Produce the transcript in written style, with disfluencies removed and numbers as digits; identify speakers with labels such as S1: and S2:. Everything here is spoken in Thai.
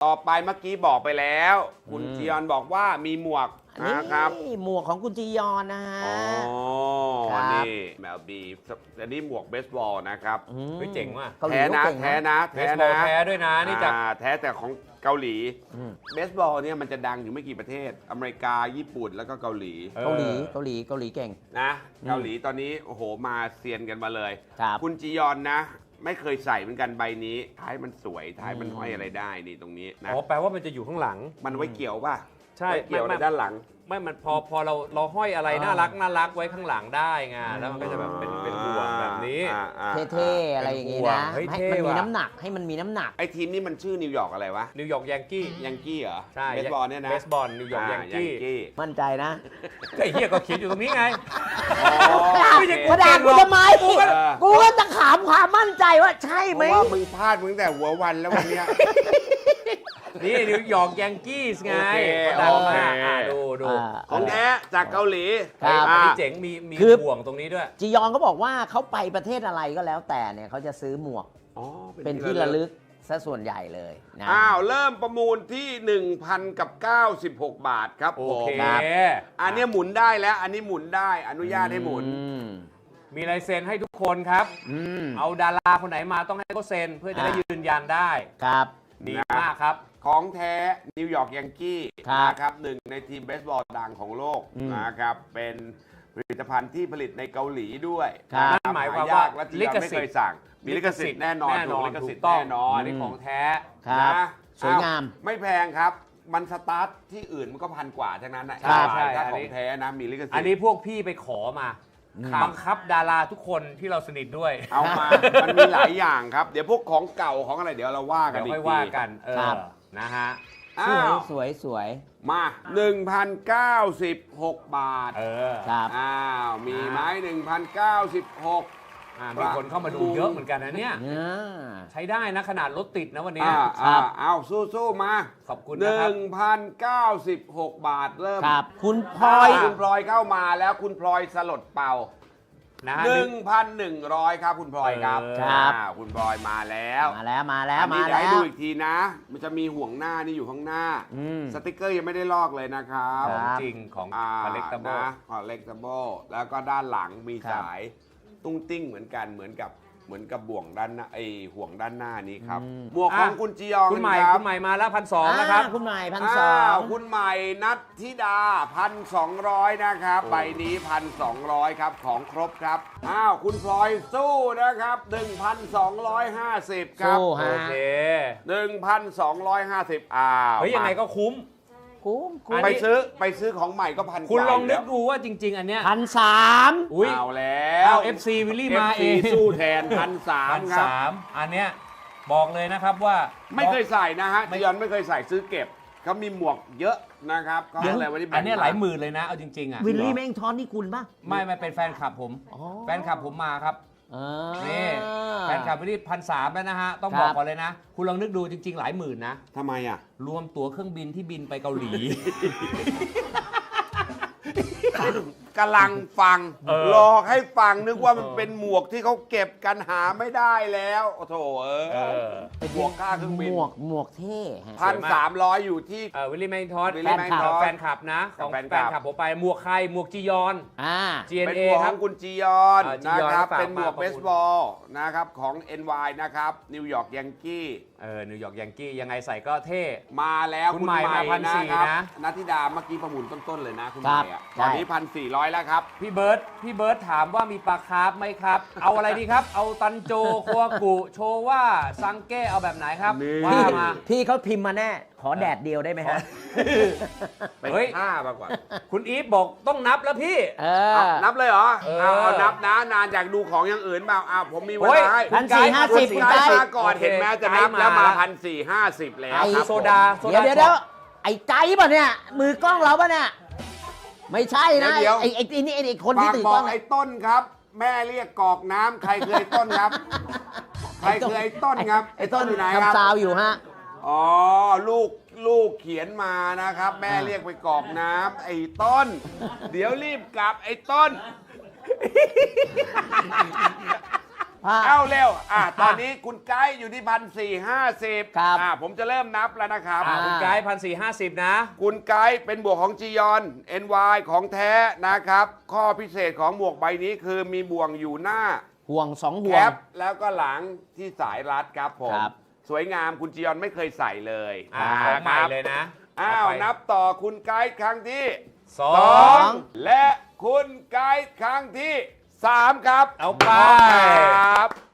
S1: ต่อไปเมื่อกี้บอกไปแล้ว คุณจียอนบอกว่ามีหมวกนะครับ
S2: หมวกของคุณจียอนนะฮะ
S1: อ๋อ
S2: ครับ
S1: นี่แมวบีอันนี้หมวกเบสบอลนะครับ
S3: เฮ้ยเจ๋งว่ะ
S2: เกาหลี
S1: แท้นะ
S2: เขาเก่ง
S1: แท้นะ
S3: เบสบอลแท้ด้วยนะนี่จาก
S1: แท้แต่ของเกาหลี
S2: อืม
S1: เบสบอลเนี่ยมันจะดังอยู่ไม่กี่ประเทศ อเมริกาญี่ปุ่นแล้วก็เกาหลี
S2: เกาหลีเก่ง
S1: นะเกาหลีตอนนี้โอ้โหมาเซียนกันมาเลย
S2: ครับ
S1: คุณจียอนนะ ไม่เคยใส่เหมือนกันใบนี้ท้ายมันสวยท้ายมันห้อยอะไรได้นี่ตรงนี้นะ
S3: อ๋อแปลว่ามันจะอยู่ข้างหลัง
S1: มันไว้เกี่ยวป่ะ
S3: ใช่
S1: ไว้เกี่ยวใน
S3: ไม่
S1: ด้านหลัง
S3: ไม่มันพอเราห้อยอะไรน่ารักไว้ข้างหลังได้ไงแล้วมันก็จะแบบเป็นห่วงแบบนี้
S2: เท่ๆอะไรอย่างงี้นะ
S3: เฮ้ย
S2: ให้
S3: เท่
S2: มันมี
S3: ว่ะ
S2: น้ำหนักให้มันมีน้ำหนัก
S1: ไอทีมนี่มันชื่อนิวยอร์กอะไรวะ
S3: นิวยอร์กยังกี้
S1: ยังกี้เหรอ
S3: ใช่
S1: เบสบอลเนี่ยนะ
S3: เบสบอลนิวยอร์กยังกี้
S2: มั่นใจนะ
S3: ก็ไอ้เหี้ยก็เขียนอยู่ตรงนี้ไง
S1: อ๋อ
S3: ไม่ใช่
S2: มาด่ากูทำไม
S1: เออ
S2: กูก็จะถามความมั่นใจว่าใช่
S1: เพ
S2: ไหม
S1: ราะว่ามึงพลาดมึงแต่หัววันแล้ววันเนี้ย
S3: นี่นิวยอร์กยังกี้ไง
S1: โอเค
S3: ดังมาก
S1: โอเค
S3: ดู
S1: ของแท้จากเกาหลี
S2: ครับ
S3: อัน
S1: อ่า
S3: นี้เจ๋งมี
S2: คือ
S3: ห่วงตรงนี้ด้วย
S2: จียอนเขาบอกว่าเขาไปประเทศอะไรก็แล้วแต่เนี่ยเขาจะซื้อหมวก
S1: อ๋อ
S2: เป็นที่ระลึกซะส่วนใหญ่เลยนะ
S1: อ้าว เริ่มประมูลที่ 1,096 บาทครับ
S3: โอ
S1: ผม
S3: เค
S1: อันนี้หมุนได้แล้ว อันนี้หมุนได้อนุญาตให้หมุน
S2: อืม
S3: มีลายเซ็นให้ทุกคนครับ
S2: อืม
S3: เอาดาราคนไหนมาต้องให้เขาเซ็นเพื่อจะได้ยืนยันได้
S2: ครับ
S3: ดีมากครับ
S1: ของแท้นิวยอร์กยังกี้
S2: ครับ
S1: นะครับหนึ่งในทีมเบสบอลดังของโลก
S2: อืม
S1: นะครับ เป็นผลิตภัณฑ์ที่ผลิตในเกาหลีด้วย
S2: ครับ
S1: นะ
S3: นั่นหมายความว่า
S1: และจี
S3: ลิ
S1: ยอน
S3: ข
S1: ไม่
S3: สิทธิ์
S1: เคยสั่ง มีลิขสิทธิ์แน่นอนถูกลิขสิทธิ์แน่นอน
S3: อันนี้ของแท้
S2: ครับ
S1: นะ
S2: สวยงาม
S1: อ้ไม่แพงครับ มันสตาร์ทที่อื่นมันก็พันกว่าทั้งนั้นนะ
S3: ใช่ใช่
S1: ถ้า
S3: อัน
S1: ข
S3: นี้
S1: องแท้นะมีลิขสิทธิ์
S3: อันนี้พวกพี่ไปขอมาบังคับดาราทุกคนที่เราสนิทด้วย
S1: เอามา มันมีหลายอย่างครับ เดี๋ยวพวกของเก่าของอะไรเดี๋ยวเราว่ากัน
S3: เดี๋ยว
S1: อี
S3: ค่อก ย
S1: ที
S3: ว่ากัน
S2: ครับ
S3: นะฮะ
S1: อ้าว
S2: สวยสวย
S1: มา 1,096 บาท
S2: ครับ
S1: อ้าว มีไหม1,096
S3: มีคนเข้ามาดูเยอะเหมือนกันนะเนี่ย
S2: เนี่ย
S3: ใช้ได้นะขนาดรถติดนะวันนี้
S1: เอาสู้ๆมา
S3: ขอบคุณนะครับ
S1: 1,096 บาทเริ่ม
S2: ครับ คุณพล
S1: พล
S2: อ
S1: อย ยคุณพลอยเข้ามาแล้วคุณพลอยสลดเป่า
S3: นะฮะ
S1: 1,100 ครับคุณพลอยครับ
S2: ครับ
S1: คุณพลอยมาแล้ว
S2: มาแล้วมาแล้ว
S1: อัน
S2: มา
S1: นี้เดี๋ยว
S2: แล้
S1: ให้
S2: ว
S1: ดูอีกทีนะ มันจะมีห่วงหน้านี่อยู่ข้างหน้า
S2: อืม
S1: สติกเกอร์ยังไม่ได้ลอกเลยนะครับ
S2: ครับ
S3: จริงของ collectible
S1: นะคอลเลกตัเบิลแล้วก็ด้านหลังมี
S2: ครับ
S1: สายตุ้งติ้งเหมือนกันเหมือนกับบ่วงด้านหน้าห่วงด้านหน้านี้ครับหมวกของคุณจียอง
S3: คุณใหม่
S1: รับ
S3: คุณใหม่มาแล้ว1,200นะครับ
S2: คุณใหม่1,200
S1: คุณใหม่นัทธิดา 1,200 นะครับ ใบนี้ 1,200 ครับของครบครับคุณพลอยสู้นะครับ 1,250 ครับ
S2: สู้ฮะ
S3: โอเค
S1: 1,250
S3: เฮ้ยยังไงก็คุ้ม
S2: คุ้มคุ้ม
S3: อัน
S1: ไป
S3: นี้
S1: ไปซื้อของใหม่ก็พัน
S3: คุณลองนึก
S1: กว่า
S3: ดูว่าจริง ๆ อันเนี้ย
S2: 1,300
S3: อุ้ย
S1: เอาแล้ว
S3: เอา FC วิลลี่มาเอง
S1: FC สู้แทน1,300 ครับ
S3: 1,300อันเนี้ยบอกเลยนะครับว่า
S1: ไม่เคยใส่นะฮะจียอนไม่เคยใส่ซื้อเก็บเขามีหมวกเยอะนะครับก็เลยวันนี้แบ่ง
S3: อันเนี้ยหลายหมื่นเลยนะ เอาจริง ๆ อ่ะ
S2: วิลลี่แม่งทอนนี่คุณป่ะ
S3: ไม่เป็นแฟนคลับผม
S2: อ๋อ
S3: แฟนคลับผมมาครับ
S2: อ่า
S3: นี่แฟนคลับวิลลี่1,300แล้วนะฮะ ต้อง
S2: ครับ
S3: บอกก่อนเลยนะ คุณลองนึกดูจริง ๆ หลายหมื่นนะ
S1: ทำไมอ่ะ
S3: รวมตั๋วเครื่องบินที่บินไปเกาหลี
S1: กำลังฟัง
S3: ห
S1: ลอกให้ฟังนึกว่ามันเป็นหมวกที่เขาเก็บกันหาไม่ได้แล้วโอ้โถหมวกค่าเครื่องบิน
S2: หมวกเท่ฮะ
S1: 1,300 อยู่ที่
S3: วิลลี่แมนทอส
S1: Willie Macintosh
S3: แฟนคลับนะของ
S1: แฟนค
S3: แฟ
S1: ลับ
S3: นคลับผมไปหมวกใครหมวกจียอน
S1: เป็น
S3: GNA
S1: หมวก
S3: ค
S1: ข
S3: รั
S1: อบ งคุณจียอน
S3: จี
S1: นะ
S3: ยอน
S1: ครับ
S3: ฝาก
S1: เป็นหมวก
S3: มา
S1: เบสบอลนะครับของ NY นะครับนิวยอร์กยังกี้
S3: นิวยอร์กยังกี้ยังไงใส่ก็เท่
S1: มาแล้ว
S3: คุณใหม่มา
S1: นะครับ
S3: 1,400นะ
S1: นัทธิดาเมื่อกี้ประมูลต้นๆเลยนะคุณให
S2: ครั
S1: ม่
S2: บ
S1: อะ
S2: ใช่
S1: ตอนนี้ 1,400 แล้วครับ
S3: พี่เบิร์ดถามว่ามีปลาคาร์ฟไหมครับ เอาอะไรดีครับ เอาตันโจโคัวกุโชว่าซังเก้เอาแบบไหนครับ
S1: นี่
S3: ว่า
S2: พี่
S3: มา
S2: พี่เขาพิมพ์มาแน่ ขอแดดเดียวได้ไหมฮะ
S1: เป็น
S3: เฮ้ย
S1: ผ้ามากกว่า
S3: คุณอีฟบอกต้องนับแล้วพี่
S2: เอ
S1: เอา
S2: อ
S1: นับเลยเหรอ
S3: เออ
S1: เอานับนะนานอยากดูของอย่างอื่นเปล่าผมมีเว
S3: โอ้ย
S1: ลาให้
S2: 1,450
S1: คุณไกด์มาก่อน
S3: โอเค
S1: เห็นไหมจะนับ
S3: ไกด์มา
S1: แล้วมา 1,450 แล้ว
S2: ไอ้
S1: ครับ
S3: โซดา
S2: เดี๋ยวไอ้ไก่ป่ะเนี่ย มือกล้องเราป่ะเนี่ย ไม่ใช่นะ
S1: เดี๋ยว
S2: ไอ้นี่ไอ้คน
S1: ฝา
S2: ที่
S1: ก
S2: ถือ
S1: บอก
S2: กล้อง
S1: ไอ้ต้นครับ แม่เรียกกอกน้ำใครคือไอ้ต้นครับ ใครคือไอ้ต้นครับ
S2: ไอ้ต้น
S1: อยู่ไหนครับ
S2: ทำซาวอยู่ฮะ
S1: อ๋อลูกเขียนมานะครับ แม่เรียกไปกรอกน้ำไอ้ต้น เดี๋ยวรีบกลับไอ้ต้นเอาเร็วตอนนี้คุณไกด์อยู่ที่1,450
S2: ครับ
S1: ผมจะเริ่มนับแล้วนะครับ
S3: คุณไกด์1,450 นะ
S1: คุณไกด์เป็นบวกของจียอน NY ของแท้นะครับ ข้อพิเศษของหมวกใบนี้คือมีบ่วงอยู่หน้า
S2: ห่วง2 ห่
S1: แคว
S2: ง
S1: ปแล้วก็หลังที่สายรัดครับผม
S2: ครับ
S1: สวยงามคุณจียอนไม่เคยใส่เลย
S3: ของใหม่เลยนะ
S1: นับต่อคุณไกด์ครั้งที่
S3: สอง
S1: 2และคุณไกด์ครั้งที่ 3 ครับ
S3: เอาไป
S1: ครับ